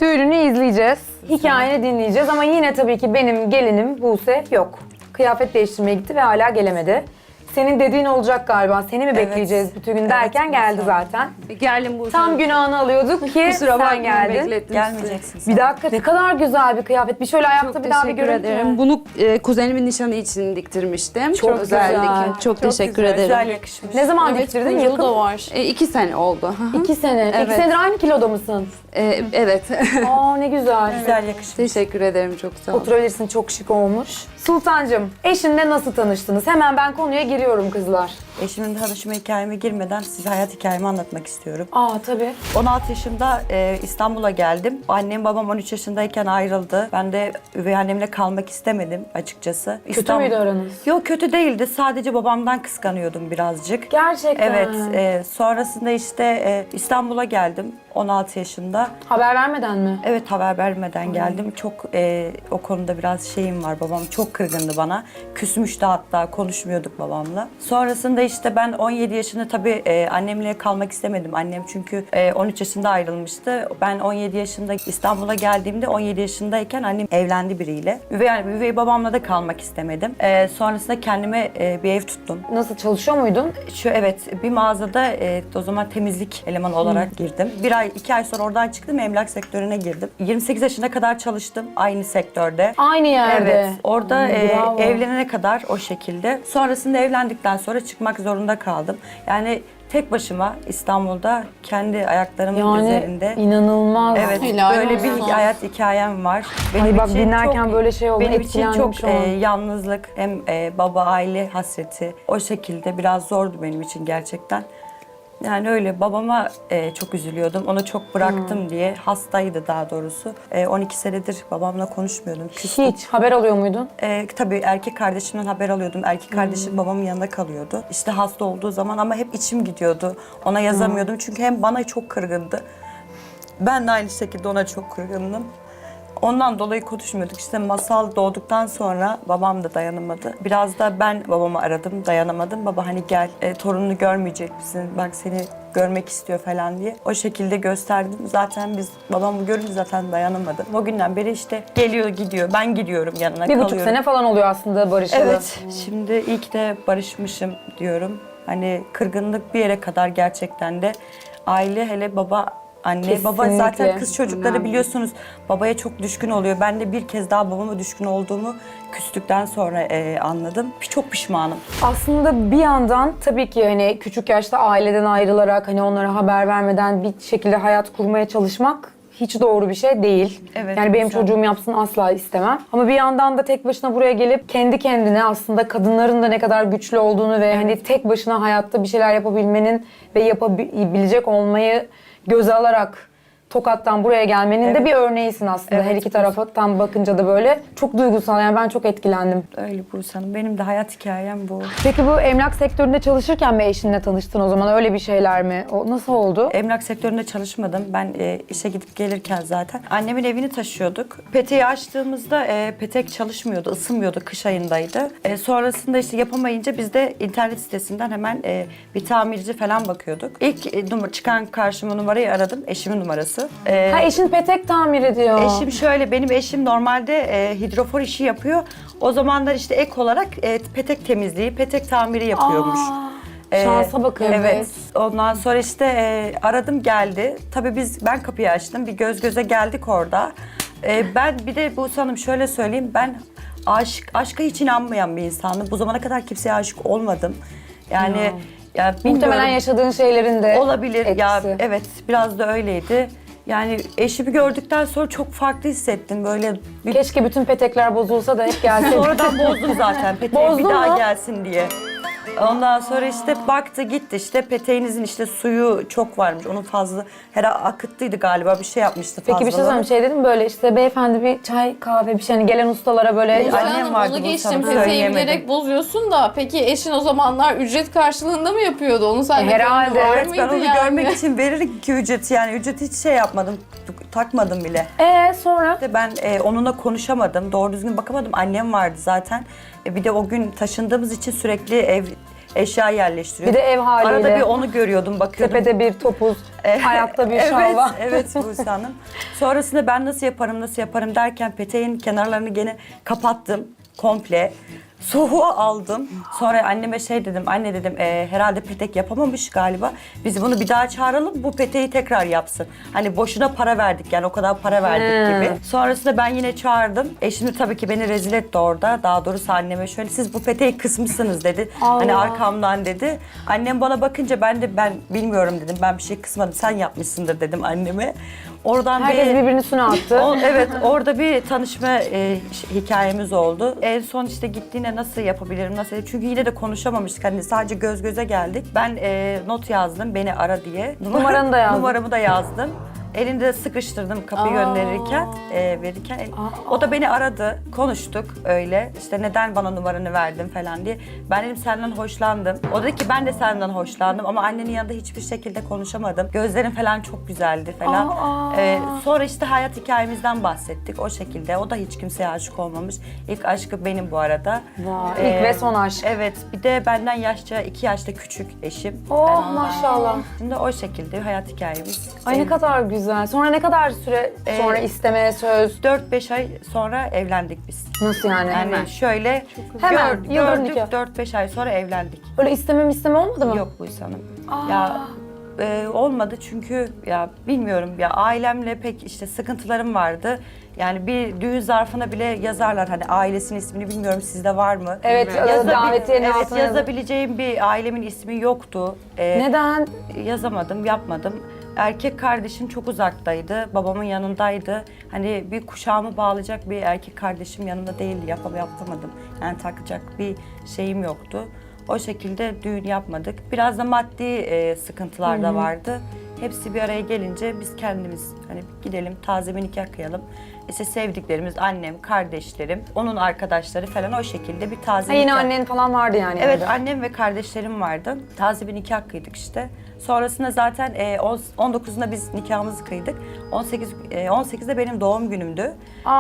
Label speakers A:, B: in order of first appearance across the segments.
A: Düğününü izleyeceğiz. Hikayeni dinleyeceğiz ama yine tabii ki benim gelinim Buse yok. Kıyafet değiştirmeye gitti ve hala gelemedi. Senin dediğin olacak galiba. Seni mi bekleyeceğiz bütün gün derken geldi zaten.
B: Geldim bu.
A: Tam günahını alıyorduk ki sen geldin.
C: Gelmeyeceksin.
A: Bir dakika ne kadar güzel bir kıyafet. Bir şöyle ayakta
B: Çok
A: bir daha bir
B: teşekkür
A: görüntü.
B: ederim. Bunu kuzenimin nişanı için diktirmiştim.
A: Çok
B: özel
A: güzel.
B: dikim. Çok teşekkür ederim.
C: Güzel yakışmış.
A: Ne zaman
D: Evet,
A: diktirdin?
D: kuyruğu
A: Yakın.
D: da var.
B: 2 sene oldu.
A: 2 sene. 2
B: Evet.
A: senedir aynı kiloda mısın?
B: Evet.
A: Aa ne güzel.
C: Güzel yakışmış.
B: Teşekkür ederim, çok sağ ol.
A: Oturabilirsin, çok şık olmuş. Sultancığım, eşinle nasıl tanıştınız? Hemen ben konuya giriyorum kızlar.
C: Eşimin tanışma hikayeme girmeden size hayat hikayemi anlatmak istiyorum.
A: Aa tabii.
C: 16 yaşında İstanbul'a geldim. Annem babam 13 yaşındayken ayrıldı. Ben de üvey annemle kalmak istemedim açıkçası.
A: Kötü müydü aranız?
C: Yok kötü değildi. Sadece babamdan kıskanıyordum birazcık.
A: Gerçekten.
C: Evet. Sonrasında işte İstanbul'a geldim 16 yaşında.
A: Haber vermeden mi?
C: Evet haber vermeden geldim. Çok o konuda biraz şeyim var. Babam çok kırgındı bana. Küsmüştü hatta konuşmuyorduk babamla. Sonrasında işte ben 17 yaşında tabii annemle kalmak istemedim. Annem çünkü 13 yaşında ayrılmıştı. Ben 17 yaşında İstanbul'a geldiğimde 17 yaşındayken annem evlendi biriyle. Üvey babamla da kalmak istemedim. Sonrasında kendime bir ev tuttum.
A: Nasıl çalışıyor muydun?
C: Evet bir mağazada o zaman temizlik elemanı olarak girdim. 2 ay sonra oradan çıktım emlak sektörüne girdim. 28 yaşına kadar çalıştım aynı sektörde.
A: Aynı yerde.
C: Evet orada
A: Bravo.
C: evlenene kadar o şekilde. Sonrasında evlendikten sonra çıkmak zorunda kaldım. Yani tek başıma İstanbul'da kendi ayaklarımın üzerinde.
A: inanılmaz.
C: Evet
D: Helal
C: böyle bir
D: olsun.
C: hayat hikayem var.
A: Ay bak dinlerken böyle şey oldu,
C: Benim için
A: etkilendim
C: çok
A: şu an.
C: yalnızlık hem baba aile hasreti o şekilde biraz zordu benim için gerçekten. Yani öyle babama çok üzülüyordum. Onu çok bıraktım diye. Hastaydı daha doğrusu. 12 senedir babamla konuşmuyordum. Küstüm.
A: Hiç haber alıyor muydun?
C: Tabii erkek kardeşimden haber alıyordum. Erkek kardeşim babamın yanında kalıyordu. İşte hasta olduğu zaman ama hep içim gidiyordu. Ona yazamıyordum çünkü hem bana çok kırgındı. Ben de aynı şekilde ona çok kırgındım. Ondan dolayı konuşmuyorduk. İşte Masal doğduktan sonra babam da dayanamadı. Biraz da ben babamı aradım, dayanamadım. Baba hani gel, torununu görmeyecek misin? Bak seni görmek istiyor falan diye. O şekilde gösterdim. Zaten biz babamı görünce zaten dayanamadı. O günden beri işte geliyor gidiyor. Ben gidiyorum yanına
A: Bir
C: kalıyorum.
A: buçuk sene falan oluyor aslında barışalı.
C: Evet. Şimdi iyi ki de barışmışım diyorum. Hani kırgınlık bir yere kadar gerçekten de aile hele baba anne baba
A: Kesinlikle.
C: zaten kız çocukları biliyorsunuz babaya çok düşkün oluyor. Ben de bir kez daha babama düşkün olduğumu küstükten sonra anladım. Çok pişmanım.
A: Aslında bir yandan tabii ki hani küçük yaşta aileden ayrılarak hani onlara haber vermeden bir şekilde hayat kurmaya çalışmak hiç doğru bir şey değil.
C: Evet,
A: yani benim
C: güzel.
A: çocuğum yapsın asla istemem. Ama bir yandan da tek başına buraya gelip kendi kendine aslında kadınların da ne kadar güçlü olduğunu ve hani tek başına hayatta bir şeyler yapabilmenin ve yapabilecek olmayı göze alarak Tokat'tan buraya gelmenin de bir örneğisin aslında.
C: Evet.
A: Her iki taraftan bakınca da böyle çok duygusal. Yani ben çok etkilendim.
C: Öyle Buse Hanım. Benim de hayat hikayem bu.
A: Peki bu emlak sektöründe çalışırken mi eşinle tanıştın o zaman? Öyle bir şeyler mi? O nasıl oldu?
C: Emlak sektöründe çalışmadım. Ben işe gidip gelirken zaten annemin evini taşıyorduk. Peteği açtığımızda petek çalışmıyordu, ısınmıyordu. Kış ayındaydı. Sonrasında işte yapamayınca biz de internet sitesinden hemen bir tamirci falan bakıyorduk. İlk çıkan karşıma numarayı aradım. Eşimin numarası.
A: Ha eşin petek tamir ediyor.
C: Eşim şöyle, benim eşim normalde hidrofor işi yapıyor. O zamanlar işte ek olarak petek temizliği, petek tamiri yapıyormuş.
A: Şansa bakın.
C: Evet. Ondan sonra işte aradım geldi. Tabii ben kapıyı açtım. Bir göz göze geldik orada. Ben bir de Buse Hanım şöyle söyleyeyim. Ben aşka hiç inanmayan bir insandım. Bu zamana kadar kimseye aşık olmadım. Yani ya
A: Muhtemelen
C: bilmiyorum.
A: yaşadığın şeylerin de
C: Olabilir.
A: etkisi.
C: Ya evet biraz da öyleydi. Yani eşimi gördükten sonra çok farklı hissettim. Böyle bir
A: Keşke bütün petekler bozulsa da hep gelse.
C: sonradan bozdum zaten peteğe bir
A: Bozdun
C: daha
A: mu?
C: gelsin diye. Ondan sonra işte baktı gitti işte peteğinizin işte suyu çok varmış. Onun fazla akıttıydı galiba bir şey yapmıştı fazla.
A: Peki bir şey söyleyeyim. Şey dedim böyle işte beyefendi bir çay kahve bir şey hani gelen ustalara böyle
C: Annem
D: Annem
C: vardı,
D: onu
C: bunu
D: geçtim.
C: sana
D: Peteği
C: söyleyemedim.
D: bilerek bozuyorsun da peki eşin o zamanlar ücret karşılığında mı yapıyordu? Onu sen de
A: Herhalde,
D: var
C: Evet ben
D: mıydı
C: onu
D: yani?
C: görmek için verirdim ki ücreti yani ücreti hiç şey yapmadım takmadım bile.
A: sonra?
C: İşte ben onunla konuşamadım doğru düzgün bakamadım annem vardı zaten. Bir de o gün taşındığımız için sürekli eşya
A: Bir
C: yerleştiriyordum.
A: de ev haliyle.
C: Arada bir onu görüyordum, bakıyordum.
A: Tepede bir topuz, ayakta bir
C: Evet,
A: şalva.
C: evet Buse Hanım. Sonrasında ben nasıl yaparım derken peteğin kenarlarını gene kapattım komple. Soğuğu aldım. Sonra anneme şey dedim, anne dedim herhalde petek yapamamış galiba. Biz bunu bir daha çağıralım, bu peteği tekrar yapsın. Hani boşuna para verdik yani, o kadar para verdik gibi. Sonrasında ben yine çağırdım. Eşim de tabii ki beni rezil etti orada. Daha doğrusu anneme şöyle, siz bu peteği kısmışsınız dedi. Hani arkamdan dedi. Annem bana bakınca ben bilmiyorum dedim. Ben bir şey kısmadım, sen yapmışsındır dedim anneme. Oradan
A: Herkes birbirinin üstüne attı.
C: Evet, orada bir tanışma hikayemiz oldu. En son işte gittiğine nasıl yapabilirim, nasıl... Çünkü yine de konuşamamıştık. Hani sadece göz göze geldik. Ben not yazdım, beni ara diye.
A: Numaranı da yazdın.
C: Numaramı da yazdım. Elinde sıkıştırdım kapıyı gönderirken, verirken. O da beni aradı, konuştuk öyle. İşte neden bana numaranı verdin falan diye. Ben dedim senden hoşlandım. O dedi ki ben de senden hoşlandım ama annenin yanında hiçbir şekilde konuşamadım. Gözlerin falan çok güzeldi falan. Sonra işte hayat hikayemizden bahsettik o şekilde. O da hiç kimseye aşık olmamış. İlk aşkı benim bu arada.
A: Vay, ilk ve son aşk.
C: Evet, bir de benden 2 yaşta küçük eşim.
A: Oh maşallah.
C: Şimdi o şekilde hayat hikayemiz.
A: Ay ne kadar güzel. Sonra ne kadar süre sonra istemeye söz?
C: 4-5 ay sonra evlendik biz.
A: Nasıl yani?
C: Yani şöyle
A: Hemen, yıldır
C: gördük,
A: nikah.
C: 4-5 ay sonra evlendik.
A: Öyle isteme olmadı mı?
C: Yok Buse Hanım. Ya olmadı çünkü ya bilmiyorum ya, ailemle pek işte sıkıntılarım vardı. Yani bir düğün zarfına bile yazarlar hani ailesinin ismini, bilmiyorum sizde var mı?
A: Evet, davetiyenin
C: evet,
A: altına
C: yazabileceğim bir ailemin ismi yoktu.
A: Neden?
C: Yazamadım, yapmadım. Erkek kardeşim çok uzaktaydı, babamın yanındaydı. Hani bir kuşağımı bağlayacak bir erkek kardeşim yanımda değildi, yapamadım. Yani takacak bir şeyim yoktu. O şekilde düğün yapmadık. Biraz da maddi sıkıntılar da vardı. Hepsi bir araya gelince biz kendimiz hani gidelim taze bir nikah kıyalım. İşte sevdiklerimiz, annem, kardeşlerim, onun arkadaşları falan, o şekilde bir taze
A: Yine
C: nikah.
A: annen falan vardı yani.
C: Evet,
A: evde.
C: annem ve kardeşlerim vardı. Taze bir nikah kıydık işte. Sonrasında zaten 19'unda biz nikahımızı kıydık. 18'de benim doğum günümdü.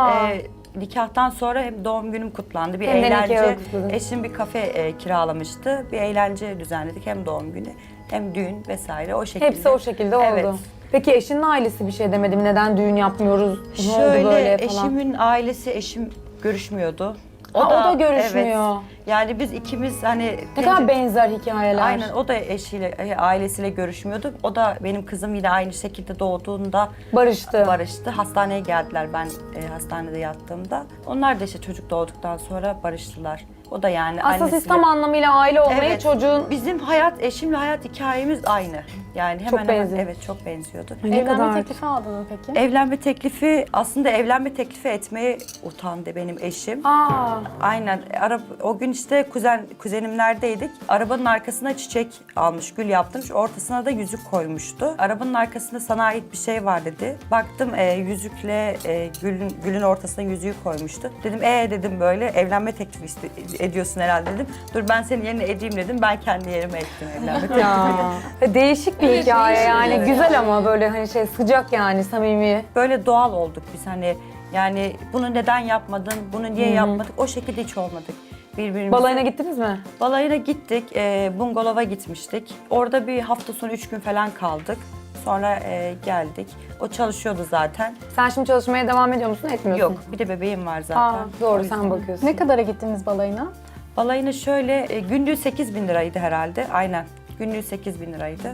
C: Nikahtan sonra hem doğum günüm kutlandı. Bir
A: Hem de
C: eğlence.
A: nikahı kutladın.
C: Eşim bir kafe kiralamıştı. Bir eğlence düzenledik. Hem doğum günü hem düğün vesaire, o şekilde.
A: Hepsi o şekilde oldu.
C: Evet.
A: Peki eşinin ailesi bir şey demedi mi? Neden düğün yapmıyoruz? Ne oldu
C: Şöyle,
A: böyle falan?
C: eşimin ailesi, eşim görüşmüyordu.
A: O da görüşmüyor.
C: Evet. Yani biz ikimiz hani...
A: Ne kadar benzer hikayeler.
C: Aynen, o da eşiyle, ailesiyle görüşmüyordu. O da benim kızım yine aynı şekilde doğduğunda barıştı. Hastaneye geldiler ben hastanede yattığımda. Onlar da işte çocuk doğduktan sonra barıştılar. O da yani
A: Aslında
C: annesiyle...
A: siz tam anlamıyla aile olmayı
C: Evet,
A: çocuğun...
C: bizim eşimle hayat hikayemiz aynı. Yani hemen
A: benziyor.
C: evet, çok benziyordu.
E: Evlenme teklifi aldın mı peki?
C: Evlenme teklifi, aslında evlenme teklifi etmeye utandı benim eşim. Aynen. O gün işte kuzenimlerdeydik. Arabanın arkasına çiçek almış, gül yaptırmış. Ortasına da yüzük koymuştu. Arabanın arkasında sana ait bir şey var dedi. Baktım yüzükle gülün ortasına yüzüğü koymuştu. Dedim dedim böyle evlenme teklifi ediyorsun herhalde dedim. Dur ben senin yerine edeyim dedim. Ben kendi yerime ettim evlenme teklifini.
A: Değişik bir
D: Evet,
A: hikaye
D: değişik,
A: yani.
D: evet.
A: Güzel ama böyle hani sıcak yani, samimi.
C: Böyle doğal olduk biz hani, yani bunu neden yapmadın, bunu niye yapmadık, o şekilde hiç olmadık. Birbirimize.
A: Balayına gittiniz mi?
C: Balayına gittik, bungalova gitmiştik. Orada bir hafta sonu 3 gün falan kaldık. Sonra geldik. O çalışıyordu zaten.
A: Sen şimdi çalışmaya devam ediyor musun, etmiyorsun?
C: Yok, bir de bebeğim var zaten.
A: Doğru,
C: O yüzden.
A: sen bakıyorsun.
E: Ne kadara gittiniz balayına?
C: Balayına şöyle, günlüğü 8.000 liraydı herhalde. Aynen, günlüğü 8.000 liraydı.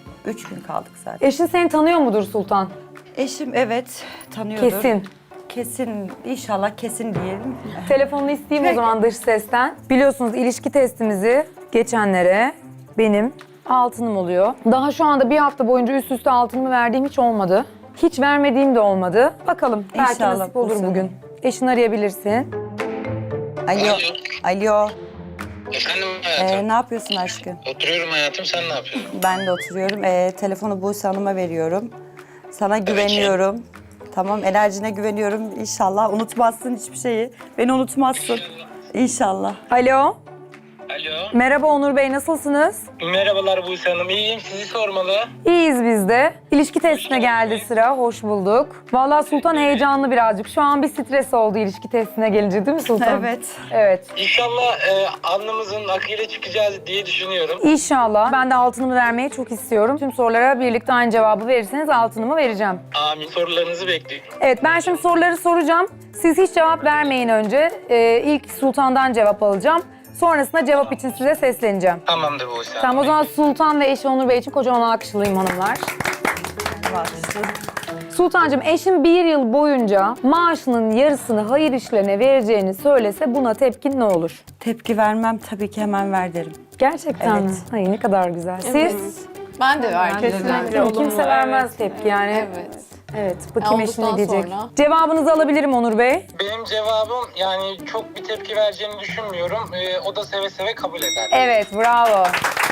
C: 3 gün kaldık zaten.
A: Eşin seni tanıyor mudur Sultan?
C: Eşim evet, tanıyordur.
A: Kesin.
C: Kesin, inşallah kesin diyelim.
A: Telefonunu isteyeyim o zaman dış sesten. Biliyorsunuz ilişki testimizi geçenlere benim altınım oluyor. Daha şu anda bir hafta boyunca üst üste altınımı verdiğim hiç olmadı. Hiç vermediğim de olmadı. Bakalım belki
C: İnşallah
A: nasip olur
C: bu sene.
A: bugün. Eşini arayabilirsin.
C: Alo. Alo.
F: Efendim hayatım.
C: Ne yapıyorsun aşkım?
F: Oturuyorum hayatım, sen ne yapıyorsun?
C: Ben de oturuyorum. Telefonu Buse Hanım'a veriyorum. Sana güveniyorum. Tamam, enerjine güveniyorum. İnşallah unutmazsın hiçbir şeyi. Beni unutmazsın. İnşallah.
A: Alo.
F: Alo.
A: Merhaba Onur Bey, nasılsınız?
F: Merhabalar Buse Hanım. İyiyim. Sizi sormalı.
A: İyiyiz biz de. İlişki testine geldi sıra, hoş bulduk. Vallahi Sultan heyecanlı birazcık. Şu an bir stres oldu ilişki testine gelince değil mi Sultan?
C: Evet.
A: Evet.
F: İnşallah alnımızın akıyla çıkacağız diye düşünüyorum.
A: İnşallah. Ben de altınımı vermeyi çok istiyorum. Tüm sorulara birlikte aynı cevabı verirseniz altınımı vereceğim.
F: Amin. Sorularınızı bekliyorum.
A: Evet, ben şimdi soruları soracağım. Siz hiç cevap vermeyin önce. İlk Sultan'dan cevap alacağım. Sonrasında cevap için size sesleneceğim.
F: Tamamdır Buse Hanım.
A: Tamam, o zaman Sultan ve eşi Onur Bey için kocaman alkışlayayım hanımlar. Sultancığım, eşin bir yıl boyunca maaşının yarısını hayır işlerine vereceğini söylese buna tepkin ne olur?
C: Tepki vermem, tabii ki hemen ver derim.
A: Gerçekten
C: Evet.
A: mi? Ay ne kadar güzel. Siz?
D: Ben de verdim.
E: Kesinlikle olumlu.
A: Kimse vermez tepki yani.
D: Evet.
A: Evet, bakayım
D: Ya,
A: eşi ne
D: olduktan
A: diyecek.
D: sonra.
A: Cevabınızı alabilirim Onur Bey.
F: Benim cevabım yani çok bir tepki vereceğini düşünmüyorum. O da seve seve kabul eder.
A: Evet, bravo.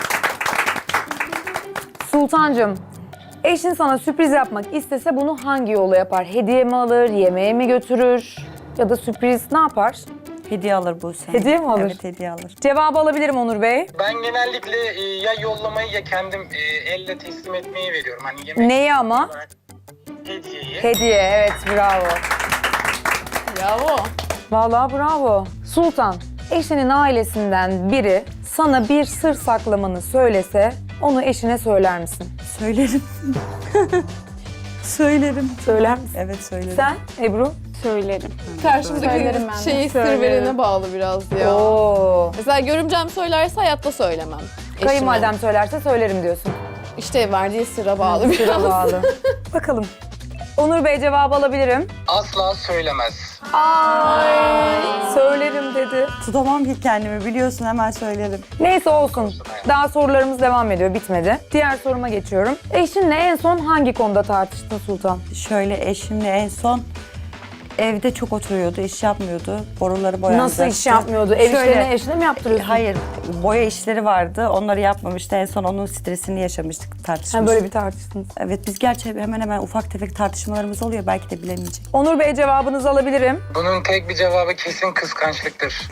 A: Sultancığım, eşin sana sürpriz yapmak istese bunu hangi yolla yapar? Hediye mi alır, yemeğe mi götürür? Ya da sürpriz ne yapar?
C: Hediye alır Buse Hanım.
A: Hediye mi alır?
C: Evet, hediye alır.
A: Cevabı alabilirim Onur Bey.
F: Ben genellikle ya yollamayı ya kendim elle teslim etmeyi veriyorum. Hani yemek
A: Neyi ama?
F: hediyeyi.
A: Hediye, evet bravo.
D: Bravo.
A: Vallahi bravo. Sultan, eşinin ailesinden biri sana bir sır saklamanı söylese onu eşine söyler misin?
C: Söylerim. Söylerim.
A: Söyler misin?
C: Evet, söylerim.
A: Sen Ebru?
E: Söylerim.
D: Karşımdaki
E: Söylerim ben de.
D: şeyi sır
E: Söylerim.
D: verene bağlı biraz ya.
A: Oo.
D: Mesela görümcem söylerse hayatta söylemem. Eşime.
A: Kayınvalidem söylerse söylerim diyorsun.
D: İşte verdiği sıra bağlı biraz.
A: Sıra bağlı. Bakalım. Onur Bey cevabı alabilirim.
F: Asla söylemez.
A: Söylerim dedi.
C: Tutamam ki kendimi, biliyorsun, hemen söylerim.
A: Neyse olsun. Daha sorularımız devam ediyor, bitmedi. Diğer soruma geçiyorum. Eşinle en son hangi konuda tartıştın Sultan?
C: Şöyle, eşimle en son evde çok oturuyordu, iş yapmıyordu. Boruları boyayacaktı.
A: Nasıl iş yapmıyordu? Ev
C: Şöyle-
A: işlerini eşine mi yaptırıyorsun?
C: Hayır, boya işleri vardı. Onları yapmamıştı. En son onun stresini yaşamıştık, tartışmıştık.
A: Ha, böyle bir tartıştınız.
C: Evet, biz gerçi hemen hemen ufak tefek tartışmalarımız oluyor. Belki de bilemeyecek.
A: Onur Bey cevabınızı alabilirim.
F: Bunun tek bir cevabı kesin kıskançlıktır.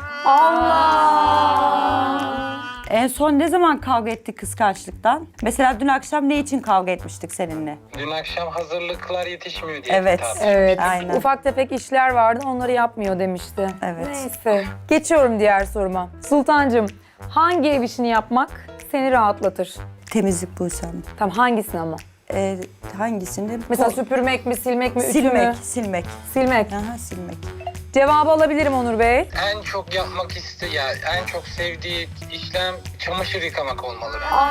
C: En son ne zaman kavga ettik kıskançlıktan? Mesela dün akşam ne için kavga etmiştik seninle?
F: Dün akşam hazırlıklar yetişmiyor diye
C: Evet.
F: tartıştık.
A: Evet.
C: Aynen.
A: Ufak tefek işler vardı, onları yapmıyor demişti.
C: Evet.
A: Neyse. Geçiyorum diğer soruma. Sultancığım, hangi ev işini yapmak seni rahatlatır?
C: Temizlik Buse Hanım.
A: Tamam, hangisini ama?
C: Hangisini?
A: Mesela süpürmek mi, silmek mi, ütü mü?
C: silmek, silmek.
A: Silmek.
C: Aha, silmek.
A: Cevabı alabilirim Onur Bey.
F: En çok yapmak ya en çok sevdiği işlem çamaşır yıkamak olmalı.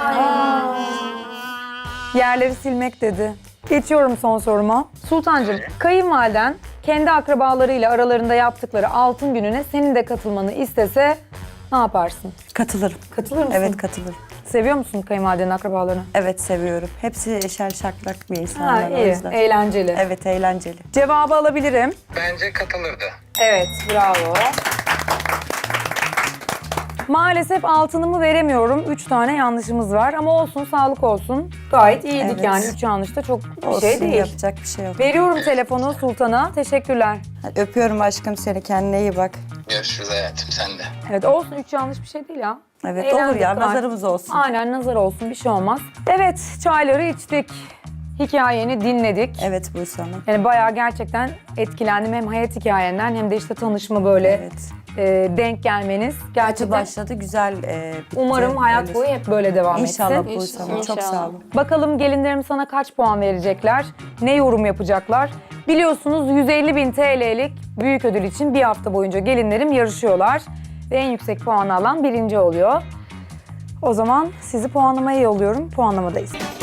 A: Yerleri silmek dedi. Geçiyorum son soruma. Sultancığım, kayınvaliden kendi akrabalarıyla aralarında yaptıkları altın gününe senin de katılmanı istese ne yaparsın?
C: Katılırım.
A: Katılır mısın?
C: Evet, katılırım.
A: Seviyor musun kayınvalidenin akrabalarını?
C: Evet, seviyorum. Hepsi eşer şaklak bir
A: Ha,
C: insanlar o
A: iyi,
C: yüzden.
A: eğlenceli.
C: Evet, eğlenceli.
A: Cevabı alabilirim.
F: Bence katılırdı.
A: Evet, bravo. Maalesef altınımı veremiyorum. 3 tane yanlışımız var ama olsun, sağlık olsun. Gayet iyiydik
C: Evet.
A: yani. 3 yanlış da çok bir
C: Olsun,
A: şey değil.
C: yapacak bir şey yok.
A: Veriyorum telefonu Sultan'a. Teşekkürler.
C: Hadi öpüyorum aşkım seni. Kendine iyi bak.
F: Görüşürüz hayatım sen de.
A: Evet, olsun, 3 yanlış bir şey değil ya.
C: Evet,
A: Eğlendik
C: olur ya.
A: gayet.
C: Nazarımız olsun.
A: Aynen, nazar olsun, bir şey olmaz. Evet, çayları içtik. Hikayeni dinledik.
C: Evet Buse Hanım.
A: Yani bayağı gerçekten etkilendim hem hayat hikayenden hem de işte tanışma böyle
C: Evet.
A: denk gelmeniz.
C: Kötü
A: Gerçekten
C: başladı, güzel bitti.
A: umarım hayat
C: Öyle.
A: boyu hep böyle devam
C: İnşallah
A: etsin.
C: Buse Hanım. Çok
E: İnşallah.
C: sağ olun.
A: Bakalım gelinlerim sana kaç puan verecekler? Ne yorum yapacaklar? Biliyorsunuz 150.000 TL'lik büyük ödül için bir hafta boyunca gelinlerim yarışıyorlar. Ve en yüksek puanı alan birinci oluyor. O zaman sizi puanlamaya yolluyorum. Puanlamadayız.